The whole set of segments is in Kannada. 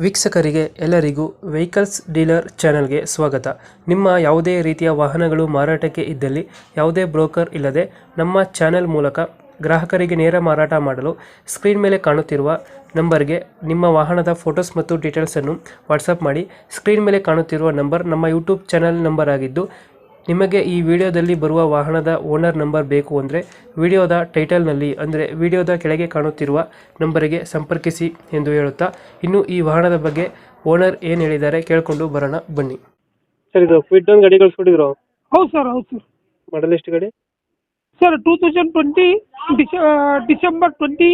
ವೀಕ್ಷಕರಿಗೆ ಎಲ್ಲರಿಗೂ ವೆಹಿಕಲ್ಸ್ ಡೀಲರ್ ಚಾನೆಲ್ಗೆ ಸ್ವಾಗತ. ನಿಮ್ಮ ಯಾವುದೇ ರೀತಿಯ ವಾಹನಗಳು ಮಾರಾಟಕ್ಕೆ ಇದ್ದಲ್ಲಿ ಯಾವುದೇ ಬ್ರೋಕರ್ ಇಲ್ಲದೆ ನಮ್ಮ ಚಾನೆಲ್ ಮೂಲಕ ಗ್ರಾಹಕರಿಗೆ ನೇರ ಮಾರಾಟ ಮಾಡಲು ಸ್ಕ್ರೀನ್ ಮೇಲೆ ಕಾಣುತ್ತಿರುವ ನಂಬರ್ಗೆ ನಿಮ್ಮ ವಾಹನದ ಫೋಟೋಸ್ ಮತ್ತು ಡೀಟೇಲ್ಸನ್ನು ವಾಟ್ಸಪ್ ಮಾಡಿ. ಸ್ಕ್ರೀನ್ ಮೇಲೆ ಕಾಣುತ್ತಿರುವ ನಂಬರ್ ನಮ್ಮ ಯೂಟ್ಯೂಬ್ ಚಾನೆಲ್ ನಂಬರ್ ಆಗಿದ್ದು, ನಿಮಗೆ ಈ ವಿಡಿಯೋದಲ್ಲಿ ಬರುವ ವಾಹನದ ಓನರ್ ನಂಬರ್ ಬೇಕು ಅಂದರೆ ವಿಡಿಯೋದ ಟೈಟಲ್ನಲ್ಲಿ ಅಂದರೆ ವಿಡಿಯೋದ ಕೆಳಗೆ ಕಾಣುತ್ತಿರುವ ನಂಬರಿಗೆ ಸಂಪರ್ಕಿಸಿ ಎಂದು ಹೇಳುತ್ತಾ, ಇನ್ನು ಈ ವಾಹನದ ಬಗ್ಗೆ ಓನರ್ ಏನು ಹೇಳಿದ್ದಾರೆ ಕೇಳಿಕೊಂಡು ಬರೋಣ ಬನ್ನಿ. ಸರ್, ಇದು ಕ್ವಿಡ್ ಒಂದು ಗಾಡಿ ಕಳಿಸ್ಕೊಟ್ಟಿದ್ರು. ಹೌದು ಸರ್, ಹೌದು ಸರ್. ಮಾಡಲ್ ಎಷ್ಟು ಗಾಡಿ? Sir 2020 December 20.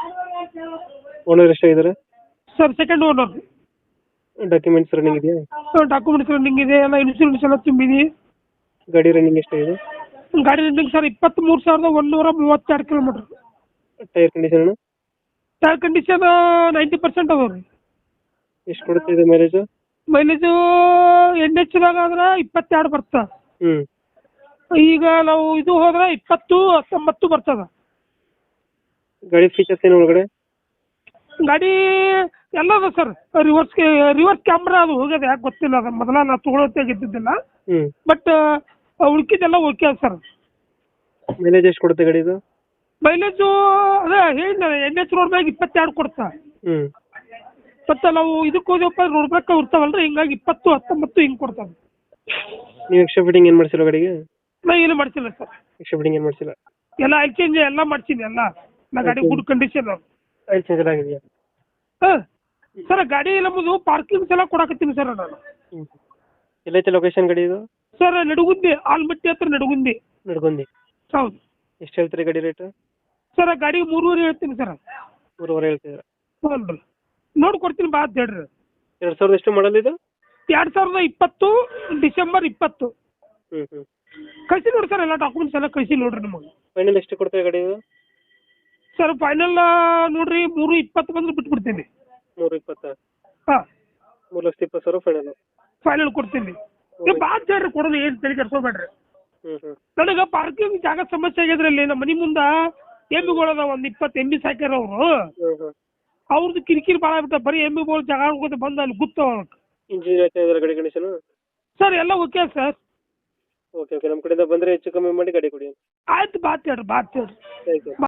ಓನರ್ ಎಷ್ಟಾಗಿದ್ದಾರೆ? Sir second owner. Documents running ಇದೆಯಾ? ಡಾಕ್ಯುಮೆಂಟ್ಸ್ ರನ್ನಿಂಗ್ ಇದೆ, ಎಲ್ಲ ಇನ್ಶೂರೆನ್ಸ್ ಎಲ್ಲ ತುಂಬಿದೆ. ಗಾಡಿ ರನ್ನಿಂಗ್ ಎಷ್ಟಾಗಿದೆ? ಗಾಡಿ running sir 23,132 kilometre. Tyre condition? Tyre condition 90% ಅದಾವ ರೀ. ಎಷ್ಟು ಕೊಡುತ್ತೆ ಇದು ಮೈಲೇಜ್? ಮೈಲೇಜು NH ಆದ್ರೆ 22 ಬರ್ತದೆ. ಈಗ ನಾವು ಇದು ಹೋದ್ರೆ 20-19 ಬರ್ತದ. ಗಾಡಿ ಫೀಚರ್ಸ್ ಏನು ಒಳಗಡೆ? ಗಾಡಿ ಎಲ್ಲ ಅದ ಸರ್. ರಿವರ್ಸ್ ಕ್ಯಾಮ್ರಾ ಅದು ಹೋಗ್ಯದ, ಯಾಕೆ ಗೊತ್ತಿಲ್ಲ. ಅದು ಮೊದಲ ನಾವು ತೊಗೊಳೋತ್ತಾಗಿದ್ದಿದ್ದಿಲ್ಲ, ಬಟ್ ಉಳ್ಕಿದ್ದೆಲ್ಲ ಓಕೆ ಅದ ಸರ್. ಮೈಲೇಜ್ ಎಷ್ಟು ಕೊಡುತ್ತೆ ಗಾಡಿ ಇದು? ಮೈಲೇಜು ಅದೇ ಹೇಳಿದ NH ರೋಡ್ ಮ್ಯಾಗ 22 ಕೊಡ್ತಾ. ಮತ್ತೆ ನಾವು ಇದಕ್ಕೆ ಹೋದಪ್ಪ ರೋಡ್ ಮ್ಯಾಗ ಇರ್ತಾವಲ್ರಿ, ಹಿಂಗಾಗಿ 20-19 ಹಿಂಗೆ ಕೊಡ್ತಾವೆ. ನೀವು ಎಕ್ಸ್ಟ್ರಾ ಫಿಟ್ಟಿಂಗ್ ಏನು ಮಾಡಿಸಿಲ್ಲ ಗಾಡಿಗೆ? ನಾ ಏನು ಮಾಡಿಸಿಲ್ಲ ಸರ್. ಎಕ್ಸ್ಟ್ರಾ ಫಿಟ್ಟಿಂಗ್ ಏನು ಮಾಡಿಸಿಲ್ಲ? ಎಲ್ಲ ಆಯಿಲ್ ಚೇಂಜ್ ಎಲ್ಲ ಮಾಡ್ಸೀನಿ. ಎಲ್ಲ ನಾ ಗಾಡಿ ಗುಡ್ ಕಂಡೀಷನ್. ಆಯಿಲ್ ಚೇಂಜ್ ಆಗಿದೆಯಾ? ಹಾಂ ಸರ್, ಗಾಡಿ ನಮ್ಮದು ಪಾರ್ಕಿಂಗ್ಸ್ ಎಲ್ಲ ಕೊಡಕತ್ತೀನಿ ಸರ್ ನಾನು. ಎಲ್ಲೈತೆ ಲೊಕೇಶನ್ ಗಾಡಿ ಇದು? ಸರ್ ನಡುಗುಂದಿ, ಆಲ್ಮಟ್ಟಿ ಹತ್ರ ನಡುಗುಂದಿ. ನಡ್ಕೊಂಡಿ. ಹೌದು. ಎಷ್ಟು ಹೇಳ್ತೀರಿ ಗಾಡಿ ರೇಟ್? ಸರ್ ಗಾಡಿ 3.5 ಹೇಳ್ತೀನಿ ಸರ್. 3.5 ಹೇಳ್ತಿದ್ದೀರಾ? ಹ್ಞೂ ರೀ, ನೋಡಿ ಕೊಡ್ತೀನಿ ಬಾ ಅಂತ ಹೇಳ್ರಿ. 2000 ಎಷ್ಟು ಮಾಡಲ್ ಇದು? 2020 ಡಿಸೆಂಬರ್ 20. ಹ್ಞೂ ಕಳಿಸಿ ನೋಡಿ ಸರ್, ಎಲ್ಲ ಡಾಕ್ಯುಮೆಂಟ್ಸ್ ಎಲ್ಲ ಕಳಿಸಿ ನೋಡ್ರಿ ನಮಗೆ. ಫೈನಲ್ ಎಷ್ಟು ಕೊಡ್ತೀವಿ ಗಾಡಿ ಇದು? ಸರ್ ಫೈನಲ್ ನೋಡ್ರಿ 3.20 ಬಂದ್ರೆ ಬಿಟ್ಬಿಡ್ತೀನಿ. 3.20? ಹಾಂ, 3,20,000 ಫೈನಲ್. ಫೈನಲ್ ಕೊಡ್ತೀನಿ. ಬಾ ಅಂತ ಹೇಳ್ರಿ, ಕೊಡೋದು ಏನು ತಲೆ ಕೆಡ್ಸ್ಕೊಬೇಡ್ರಿ. ನನಗೆ ಪಾರ್ಕಿಂಗ್ ಜಾಗ ಸಮಸ್ಯೆ ಆಗಿದ್ರೆ ಇಲ್ಲಿ ನಮ್ಮ ಮನೆ ಮುಂದೆ ಎಮ್ಮಿಗಳದ ಒಂದು 20 ಎಮ್ಮಿ ಸಾಕ್ಯಾರ ಅವರು. ಅವ್ರದ್ದು ಕಿರಿಕಿರಿ ಭಾಳ ಆಗ್ಬಿಟ್ಟ. ಬರೀ ಎಮ್ಮಿಗಳು ಜಾಗ ಹೋಗೋದು ಬಂದು ಅಲ್ಲಿ ಗುತ್ತವ. ಇಂಜಿನ್ ಗಾಡಿ ಕಂಡೀಷನ್? ಸರ್ ಎಲ್ಲ ಓಕೆ ಸರ್. ಓಕೆ, ನಮ್ಮ ಕಡೆಯಿಂದ ಬಂದರೆ ಹೆಚ್ಚು ಕಮ್ಮಿ ಮಾಡಿ ಗಾಡಿ ಕೊಡಿ. ಆಯ್ತು, ಬಾ ಅಂತ ಹೇಳ್ರಿ. Thank you.